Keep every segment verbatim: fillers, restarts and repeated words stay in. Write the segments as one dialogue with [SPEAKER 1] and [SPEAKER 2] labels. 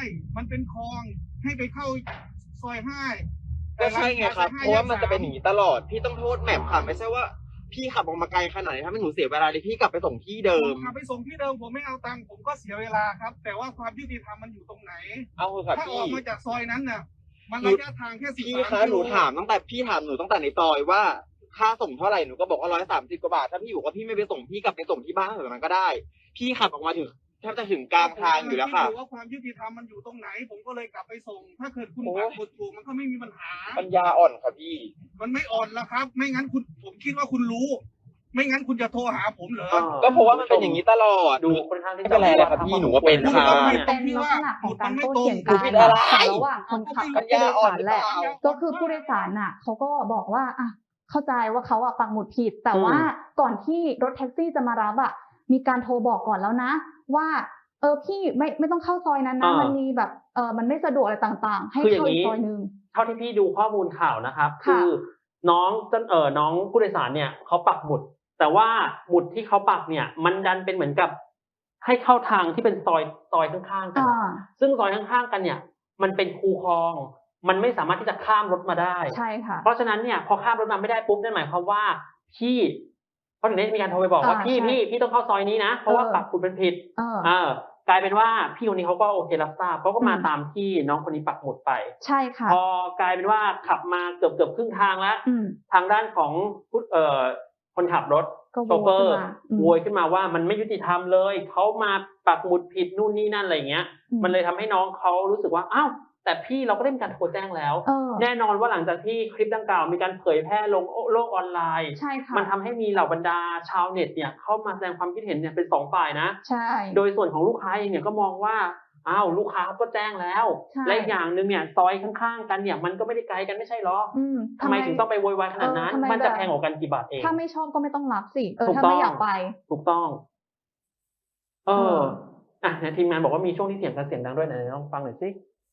[SPEAKER 1] มันเป็นคลองให้ไปเข้าซอยห้า
[SPEAKER 2] ก็ใช่ไงครับเพราะว่ามันจะเป็นอย่างนี้ตลอดพี่ต้องโทษแมพค่ะไม่ใช่ว่าพี่ขับออกมาไกลขนาดนี้ถ้าไม่หนูเสียเวลาเลยพี่กลับไปส่งที่เดิม
[SPEAKER 1] ขับไปส่งที่เดิมผมไม่เอาตังค์ผมก็เสียเวลาครับแต่ว่าความยุติธรรมมันอยู่ตรงไหน
[SPEAKER 2] เอาเถอะครับ
[SPEAKER 1] ถ้าอ
[SPEAKER 2] พี่
[SPEAKER 1] อกมาจากซอยนั้นน่ะมันระยะทางแค่สิบสามกิโล
[SPEAKER 2] พี่คะหนูถามตั้งแต่พี่ถามหนูตั้งแต่ในซอยว่าค่าส่งเท่าไหร่หนูก็บอกว่าร้อยสามสิบกว่าบาทถ้าพี่บอกว่าพี่ไม่ไปส่งพี่กลับไปส่งที่บ้านแบบนั้นก็ได้พี่ขับออกมาถึงแทบจะถึงกลางทางอยู่แล้วค่ะ
[SPEAKER 1] ว่าความยุติธรรมมันอยู่ตรงไหนผมก็เลยกลับไปส่งถ้าเกิดคุณปักหมุดถูกมันก็ไม่มีปัญหา
[SPEAKER 2] ปัญญาอ่อนค่ะพี่
[SPEAKER 1] มันไม่อ่อนแล้วครับไม่งั้นคุณผมคิดว่าคุณรู้ไม่งั้นคุณจะโทรหาผมเหรอ
[SPEAKER 2] ก็เพราะว่ามันเป็นอย่างนี้ตลอด
[SPEAKER 3] ดูค่อนข้างที่
[SPEAKER 2] จะอะไรครับพี่หนูว่าเป็นค่ะ
[SPEAKER 4] เป็นลักษณะของการโต้เถียงกันระหว่างคนขับกับผู้โดยสารแหละก็คือผู้โดยสารน่ะเขาก็บอกว่าอ่ะเข้าใจว่าเขาอ่ะปักหมุดผิดแต่ว่าก่อนที่รถแท็กซี่จะมารับอ่ะมีการโทรบอกก่อนแล้วนะว่าเออพี่ไม่ไม่ต้องเข้าซอยนั้นนะมันมีแบบเออมันไม่สะดวกอะไรต่างๆให้เข้าอีกซอยนึง
[SPEAKER 3] เท่าที่พี่ดูข้อมูลข่าวนะครับคือน้องเออน้องผู้โดยสารเนี่ยเขาปักหมุดแต่ว่าหมุดที่เขาปักเนี่ยมันดันเป็นเหมือนกับให้เข้าทางที่เป็นซอยซอยข้างๆกันซึ่งซอยข้างๆกันเนี่ยมันเป็นคูคลองมันไม่สามารถที่จะข้ามรถมาได้
[SPEAKER 4] ใช่ค่ะ
[SPEAKER 3] เพราะฉะนั้นเนี่ยพอข้ามรถมาไม่ได้ปุ๊บนั่นหมายความว่าพี่เพราะถึงได้มีการโทรไปบอกว่าพี่พี่พี่ต้องเข้าซอยนี้นะเพราะว่าปักหมุดเป็นผิดเออกลายเป็นว่าพี่คนนี้เขาก็โอเครับทราบเขาก็มาตามที่น้องคนนี้ปักหมุดไป
[SPEAKER 4] ใช่ค่ะ
[SPEAKER 3] พอกลายเป็นว่าขับมาเกือบเกือบครึ่งทางแล้วทางด้านของเอ่อคนขับรถโชเฟอร์โวยขึ้นมาว่ามันไม่ยุติธรรมเลยเขามาปักหมุดผิดนู่นนี่นั่นอะไรเงี้ยมันเลยทำให้น้องเขารู้สึกว่าอ้าวแต่พี่เราก็ได้มีการโทรแจ้งแล้วแน่นอนว่าหลังจากที่คลิปดังกล่าวมีการเผยแพร่ลงโลกออนไลน์มันทำให้มีเหล่าบรรดาชาวเน็ตเนี่ยเข้ามาแสดงความคิดเห็นเนี่ยเป็นสองฝ่ายนะ
[SPEAKER 4] ใช่
[SPEAKER 3] โดยส่วนของลูกค้าเองเนี่ยก็มองว่าอ้าวลูกค้าก็แจ้งแล้วและอย่างนึงเนี่ยซอยข้างๆกันเนี่ยมันก็ไม่ได้ไกลกันไม่ใช่หรอทำไมถึงต้องไปโวยวายขนาดนั้นมันจะแพงกว่ากันกี่บาทเอง
[SPEAKER 4] ถ้าไม่ชอบก็ไม่ต้องรับสิเออถ้าไม่อยากไป
[SPEAKER 3] ถูกต้องเอออ่ะทีมงานบอกว่ามีช่วงที่เสียงกันเสียงดังด้วยไหนลองฟังหน่อยสิ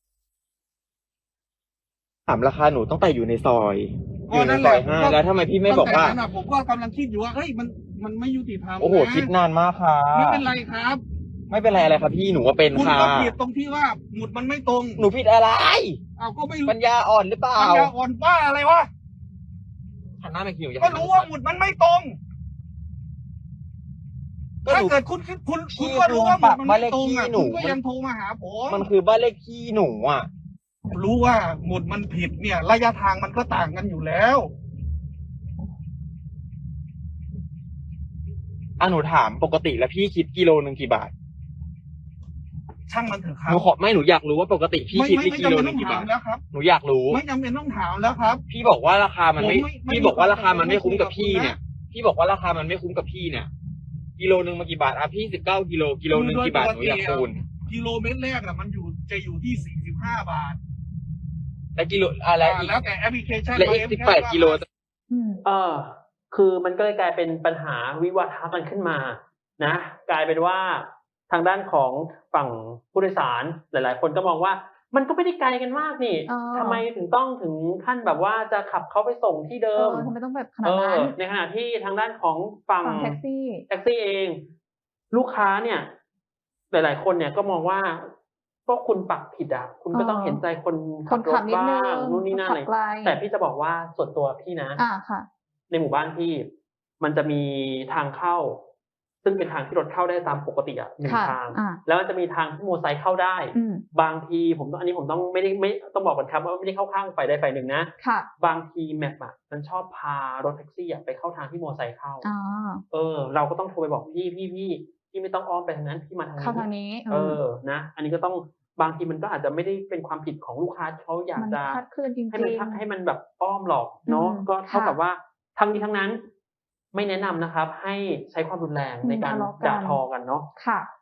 [SPEAKER 2] ถามราคาหนูตั้งแต่อยู่ในซอยอยู่ในซอยห้าแล้วทำไมพี่ไม่บอกว่า
[SPEAKER 1] ผมก็กำลังคิดอยู่ว่าเฮ้ยมันมันไม่ยุติธรรม
[SPEAKER 2] โอ้โหคิดนานมากค่ะ
[SPEAKER 1] ไม่เป็นไรครับ
[SPEAKER 2] ไม่เป็นไรอะไรครับพี่หนูว่าเป็นค่ะ
[SPEAKER 1] คุณก็ผิดตรงที่ว่าหมุดมันไม่ตรง
[SPEAKER 2] หนูผิดอะไร
[SPEAKER 1] เอาก็ไม่
[SPEAKER 2] ปัญญาอ่อนหรือเปล่า
[SPEAKER 1] ปัญญาอ่อนบ้าอะไรวะ
[SPEAKER 2] หันหน้าไปคิว
[SPEAKER 1] ก็รู้ว่าหมุดมันไม่ตรงถ้าเกิดคุณคุณคุณก็รู้ว่าหมุดมันไม่ตรงอ่ะคุณก็ยังโทรมาหาผม
[SPEAKER 2] มันคือบ้านเลขที่หนูอ่ะ
[SPEAKER 1] รู้ว่าหมุดมันผิดเนี่ยระยะทางมันก็ต่างกันอยู่แล้ว
[SPEAKER 2] อ่ะหนูถามปกติแล้วพี่คิดกิโลนึงกี่บาท
[SPEAKER 1] ช่างมันเถอะครับ
[SPEAKER 2] หนูขอไม่หนูอยากรู้ว่าปกติพี่คิดที่กิโลนึงกี่บาท
[SPEAKER 1] แล้วครับ
[SPEAKER 2] หนูอยากรู้
[SPEAKER 1] ไม่จำเป็นต้องถามแล้วครับ
[SPEAKER 2] พี่บอกว่าราคามันไม่พี่บอกว่าราคามันไม่คุ้มกับพี่เนี่ยพี่บอกว่าราคามันไม่คุ้มกับพี่เนี่ยกิโลนึงมากี่บาทอ่ะพี่สิบเก้ากิโลกิโลนึงกี่บาทหนูอยากคูณ
[SPEAKER 1] กิโลเมตรแรกอ่ะมันอยู่จะอยู่ที่สี่สิบห้าบาท
[SPEAKER 2] แต่กิโลอะไรอีก
[SPEAKER 1] แล้วแต่แอปพลิเคชัน
[SPEAKER 2] และอีกสิบแปดกิโล
[SPEAKER 3] เออคือมันก็เลยกลายเป็นปัญหาวิวาทะกันขึ้นมานะกลายเป็นว่าทางด้านของฝั่งผู้โดยสารหลายๆคนก็มองว่ามันก็ไม่ได้ไกลกันมากนี่ทำไมถึงต้องถึงขั้นแบบว่าจะขับเขาไปส่งที่เดิม
[SPEAKER 4] ทำไมต้องแบบขนาดนั้น
[SPEAKER 3] ในขณะที่ทางด้านของฝั่ง
[SPEAKER 4] แท็กซี่
[SPEAKER 3] แท็กซี่เองลูกค้าเนี่ยหลายๆคนเนี่ยก็มองว่าก็คุณปักผิดอ่ะคุณก็ต้องเห็นใจคนขับรถบ้างนู่นนี่นั่นอะไรแต่พี่จะบอกว่าส่วนตัวพี่นะในหมู่บ้านพี่มันจะมีทางเข้าซึ่งเป็นทางที่รถเข้าได้ตามปกติอ่ะหนึ่งทางแล้วมันจะมีทางที่มอเตอร์ไซค์เข้าได้บางทีผมอันนี้ผมต้องไม่ได้ไม่ต้องบอกก่อนครับว่าไม่ได้เข้าข้างฝ่ายใดฝ่ายหนึ่งนะบางทีแมปอ่ะมันชอบพารถแท็กซี่อ่ะไปเข้าทางที่มอเตอร์ไซค์เข้าเออเราก็ต้องโทรไปบอกพี่พี่พี่พี่ไม่ต้องอ้อมไปทางนั้นพี่มาทางนี้
[SPEAKER 4] เข้าทางนี้
[SPEAKER 3] เออนะอันนี้ก็ต้องบางทีมันก็อาจจะไม่ได้เป็นความผิดของลูกค้าเขาอยากจะให้มันให้มันแบบอ้อมหรอกเนาะก็เท่ากับว่าทั้งนี้ทั้งนั้นไม่แนะนำนะครับให้ใช้ความรุนแรงในการด่าทอกันเนาะ
[SPEAKER 4] ค่ะ